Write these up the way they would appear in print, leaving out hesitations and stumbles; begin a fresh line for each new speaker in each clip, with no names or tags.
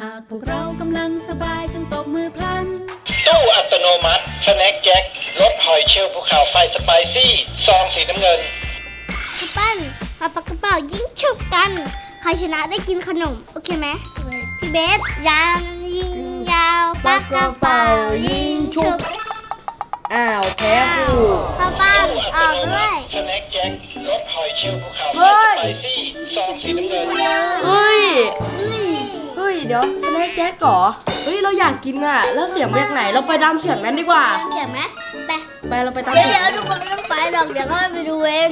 ากพวกเรากำลังสบายจงตบมือพลัน
ตู้อัตโนมัติสแน็คแจ็ครสหอยเชลล์ภูเขาไฟสไปซี่ซองสีน้ำเงิน
พี่ปั้นมาปากกระเป๋ายิงฉุบกันใครชนะได้กินขนมโอเคไหมพี่เบสยางยิงยาวปากกระเป๋ายิงฉุบ
อ้าวแพ้กู
พ่อปั้นออกด้วย
สแน็คแจ็ครสหอยเชลล์ภูเขาไฟสไปซี่ซองสีน้ำเงิน
เฮ้ยเดี๋ยวสแน็คแจ็คเหรอเฮ้ยเราอยากกินอ่ะแล้วเสียงมาจากไหนเราไปตามเสียงนั้นดีกว่า
เสียงไหมไป
เราไปตาม
เดี๋ยวทุกคนไม่ต้องไปหรอกเดี๋ยวก็ไปดูเอง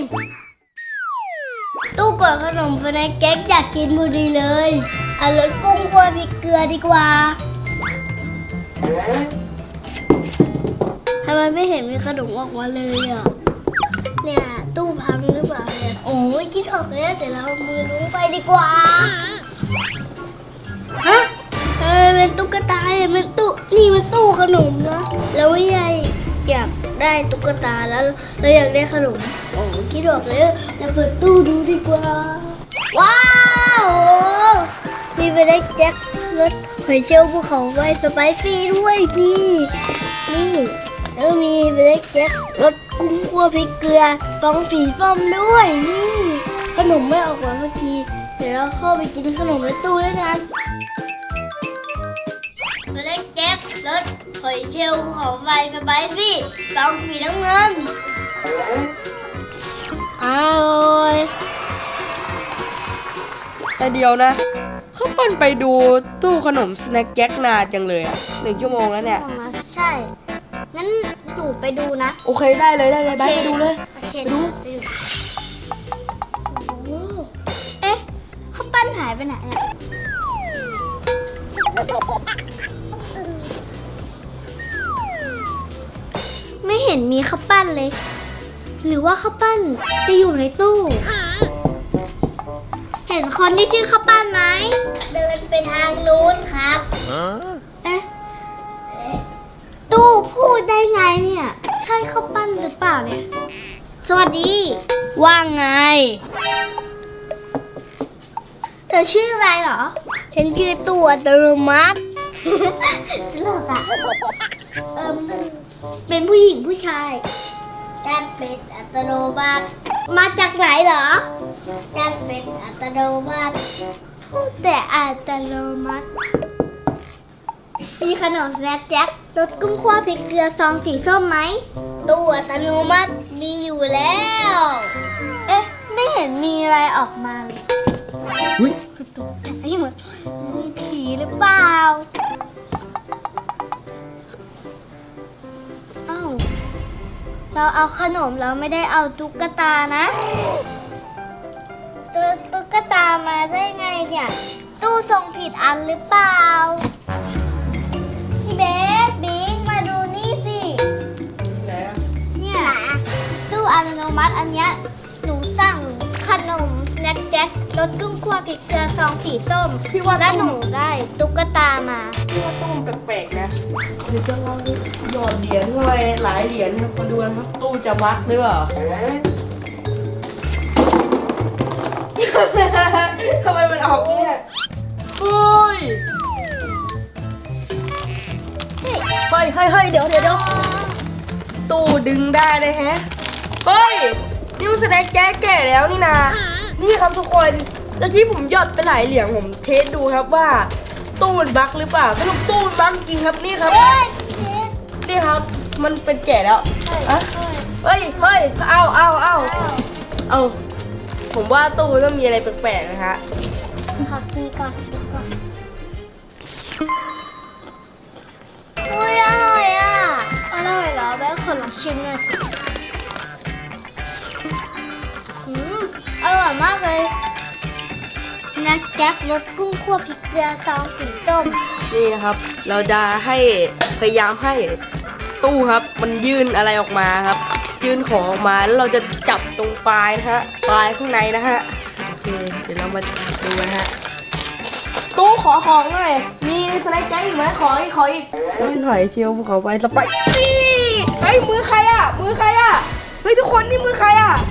ตู้กดขนมสแน็คแจ็คอยากกินพอดีเลยเอารสกุ้งคั่วพริกเกลือดีกว่าทำไมไม่เห็นมีขนมออกมาเลยอ่ะเนี่ยตู้พังหรือเปล่าเนี่ยโอ้ยคิดออกแล้วแต่เรามือลุ้งไปดีกว่าฮะเป็นตุ๊กตาเนี่ยมันตู้นี่มันตู้ขนมนะแล้วยายอยากได้ตุ๊กตาแล้วเราอยากได้ขนมโอ้คิดออกแล้วเราเปิดตู้ดูดีกว่าว้าวมีไปได้แจ็ครสหอยเชลล์ภูเขาไฟสไปซี่ด้วยนี่แล้วมีไปได้แจ็ครสกุ้งคั่วพริกเกลือฟองสีส้มด้วยนี่ขนมไม่ออกมาเมื่อกี้เดี๋ยวเราเข้าไปกินขนมในตู้ด้วยกันไปได้แจ็ครสหอยเชลล์ภูเขาไฟสไปซี่ฟองสีน้ำเงินอร่อย
แต่เดียวนะเขาปั่นไปดูตู้ขนมสแน็คแจ็คนานจังเลยอ่ะ1 ชั่วโมงแล้วเนี่ย
ใช่งั้นหนูไปดูนะ
โอเคได้เลยไปดูเลย
ไปดูเอ๊ะเขาปั้นหายไปไหนอ่ะไม่เห็นมีข้าวปั้นเลยหรือว่าข้าวปั้นจะอยู่ในตู้เห็นคนที่ชื่อข้าวปั้นไหมเดินไปทางนู้นครับเอ๊ะตู้พูดได้ไงเนี่ยใช่ข้าวปั้นหรือเปล่าเนี่ยสวัสดีว่าไงเธอชื่ออะไรเหรอฉันชื่อตู้อัตโนมัติตลกอ่ะเป็นผู้หญิงผู้ชายฉันเป็นอัตโนมัติมาจากไหนเหรอฉันเป็นอัตโนมัติพูดแต่อัตโนมัติมีขนมสแน็คแจ็ครสกุ้งคั่วพริกเกลือซองสีส้มไหมตู้อัตโนมัติมีอยู่แล้วเอ๊ะไม่เห็นมีอะไรออกมาเลยตุ๊กตาเหมือนมีผีหรือเปล่าอ้าวเราเอาขนมเราไม่ได้เอาตุ๊กตานะตุ๊กตามาได้ไงเนี่ยตู้ส่งผิดอันหรือเปล่าพี่เบสบิ๊กมาดูนี่สิเนี่ยตู้อัตโนมัติอันเนี้ยหนูสั่งขนมสแน็คแจ็ครสกุ้งคั่วพริกเกลือซองสีส้มพี่ว่าแล้วหนูได้ตุ๊กตามา
พี่ว่าตู้มันแปลกๆนะเดี๋ยวจะลองหยอดเหรียญอะไรหลายเหรียญมาดูนะครับตู้จะบั๊กหรือเปล่าทำไมมันออกเนี่ยเฮ้ยเดี๋ยวตู้ดึงได้เลยแฮะเฮ้ยนี่มันแสดงแก่แล้วนี่นานี่ครับทุกคนเมื่อกี้ผมหยอดไปหลายเหรียญผมเทสดูครับว่าตู้มันบั๊กหรือเปล่าสรุปตู้มันบั๊กจริงครับนี่ครับนี่ครับมันเป็นแก่แล้วเฮ้ยเอาผมว่าตู้ต้องมีอะไรแปลกๆนะฮะ
ขอกินก่อนอุ้ยอร่อยอ่ะอร่อยเหรอแม่ขอลองชิมหน่อยสิอร่อยมากเลยนักแจ็ครสกุ้งคั่วพริกเกลือซองสีส้ม
นี่นะครับเราจะพยายามให้ตู้ครับมันยื่นอะไรออกมาครับยื่นของออกมาแล้วเราจะจับตรงปลายนะฮะปลายข้างในนะฮะโอเคเดี๋ยวเรามาดูนะฮะตู้ขอของหน่อยมีสไลด์แจ็คอีกไหมขออีกหน่อยเชียวขอไปสไปซี่เฮ้ยมือใครอ่ะเฮ้ยทุกคนนี่มือใครอ่ะ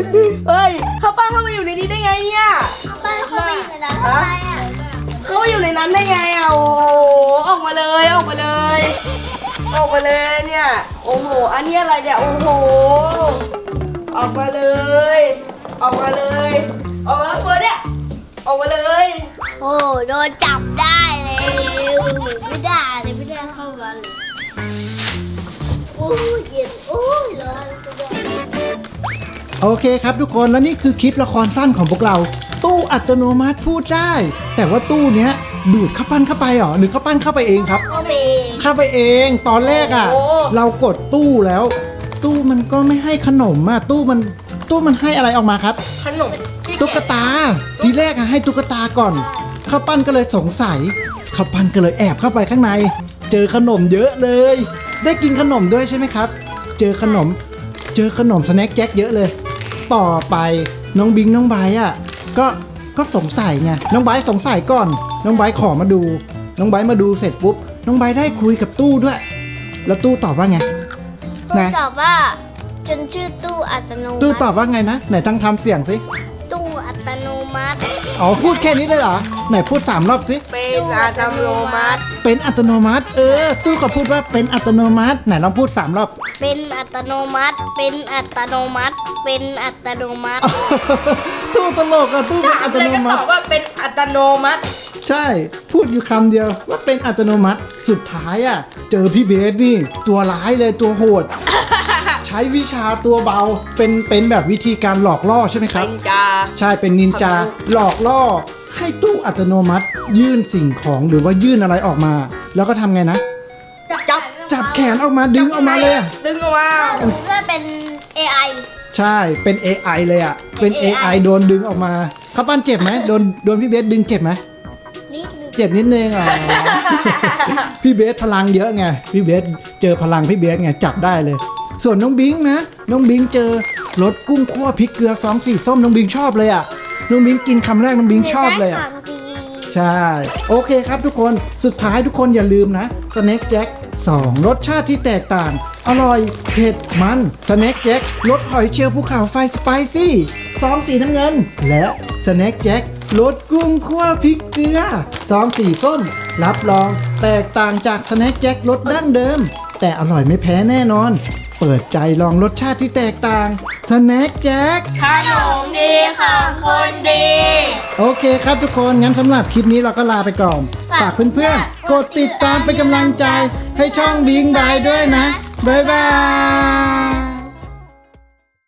เฮ้ยข้าวปั้นเข้ามาอยู่ในนี้ได้ไงเนี่ย
บ้านเขาไปอยู่ในนั้นทำไมอ่ะ
เข้ามาอยู่ในนั้นได้ไงอ่ะโอ้โหออกมาเลยออกมาเลยออกมาเลยเนี่ยโอ้โหอันนี้อะไรเนี่ยโอ้โหออกมาเลยออกมาเลยออกมาแล้วตัวเนี่ยออกมาเลย
โอ้โดนจับได้เลยไม่ได้เลยไม่ได้เข้ามาเลยโอ้ยเย็นโอ้ยร้อน
โอเคครับทุกคนแล้วนี่คือคลิปละครสั้นของพวกเรา ตู้อัตโนมัติพูดได้ แต่ว่าตู้เนี้ยดูดข้าวปั้นเข้าไปเหรอหรือข้าวปั้นเข้าไปเองครับ
เข้าไป
เข้าไปเองตอนแรกอ่ะ เรากดตู้แล้ว ตู้มันก็ไม่ให้ขนมอ่ะตู้มันให้อะไรออกมาครับ
ขนมที่
ตุ๊กตาทีแรกอะให้ตุ๊กตาก่อนข้าวปั้นก็เลยสงสัยข้าวปั้นก็เลยแอบเข้าไปข้างใน เจอขนมเยอะเลย ได้กินขนมด้วยใช่ไหมครับ เจอขนมสแน็คแจ็คเยอะเลย ต่อไปน้องบิงน้องไบร์ทอะก็สงสัยไงน้องไบร์ทสงสัยก่อน น้องไบร์ทขอมาดู น้องไบร์ทมาดูเสร็จปุ๊บน้องไบร์ทได้คุยกับตู้ด้วย แล้วตู้ตอบว่าไง
ตู้ตอบว่าจนชื่อตู้อัตโนมัติ
ตู้ตอบว่าไงนะไหนตั้งทำเสียงสิ
ตู้อัตโนมัติ
อ๋อพูดแค่นี้เลยเหรอไหนพูด3 รอบสิ
เป็นอัตโนมัติ
เป็นอัตโนมัติตู้ก็พูดว่าเป็นอัตโนมัติไหนลองพูด3 รอบ
เป็นอัตโนมัติเป็นอัตโนมัติเป็นอัตโนมัติ
ตู้ตลกอะตู้เป็น
ถา
อั
ม
ต
เลย
โน
ก็
มั
ต
ติ
อบว่าเป็นอัตโนมัติ
ใช่พูดอยู่คำเดียวว่าเป็นอัตโนมัติสุดท้ายอะเจอพี่เบสนี่ตัวร้ายเลยตัวโหด ใช้วิชาตัวเบาเป็นแบบวิธีการหลอกล่อใช่ไหมครับ
เป็นจา
ใช่เป็นนินจาหลอกล่อ ให้ตู้อัตโนมัติ ยื่นสิ่งของหรือว่ายื่นอะไรออกมา แล้วก็ทำไงนะ จับแขนออกมาดึงออกมาเลยอะ
ดึงออกมา
ก็เป็น AI
ใช่เป็น AI เลยอะเป็น AI โดนดึงออกมาข้าวปั้นเจ็บไหมโดนพี่เบสดึงเจ็บไหม
นิดนึง
เจ็บนิดนึงอ๋อ พี่เบสพลังเยอะไงพี่เบสเจอพลังพี่เบสไงจับได้เลย ส่วนน้องบิงนะน้องบิงเจอรสกุ้งคั่วพริกเกลือ2 สีส้มน้องบิงชอบเลยอะน้องบิงกินคำแรกน้องบิงชอบเลยอะ
ได้ความดี
ใช่โอเคครับทุกคนสุดท้ายทุกคนอย่าลืมนะสแน็คแจ็ค2รสชาติที่แตกต่าง อร่อยเผ็ดมันสแน็คแจ็ครสหอยเชลล์ภูเขาไฟสไปซี่ซองสีน้ำเงิน และสแน็คแจ็ครสกุ้งคั่วพริกเกลือซองสีส้มรับรองแตกต่างจากสแน็คแจ็ครสดั้งเดิม แต่อร่อยไม่แพ้แน่นอน เปิดใจลองรสชาติที่แตกต่างสแน็คแจ็ค
ขนมดีของคนดี
โอเคครับทุกคนงั้นสำหรับคลิปนี้เราก็ลาไปก่อน ฝากเพื่อนๆ กดติดตามเป็นกำลังใจให้ช่องบิงบายด้วยนะ บ๊ายบาย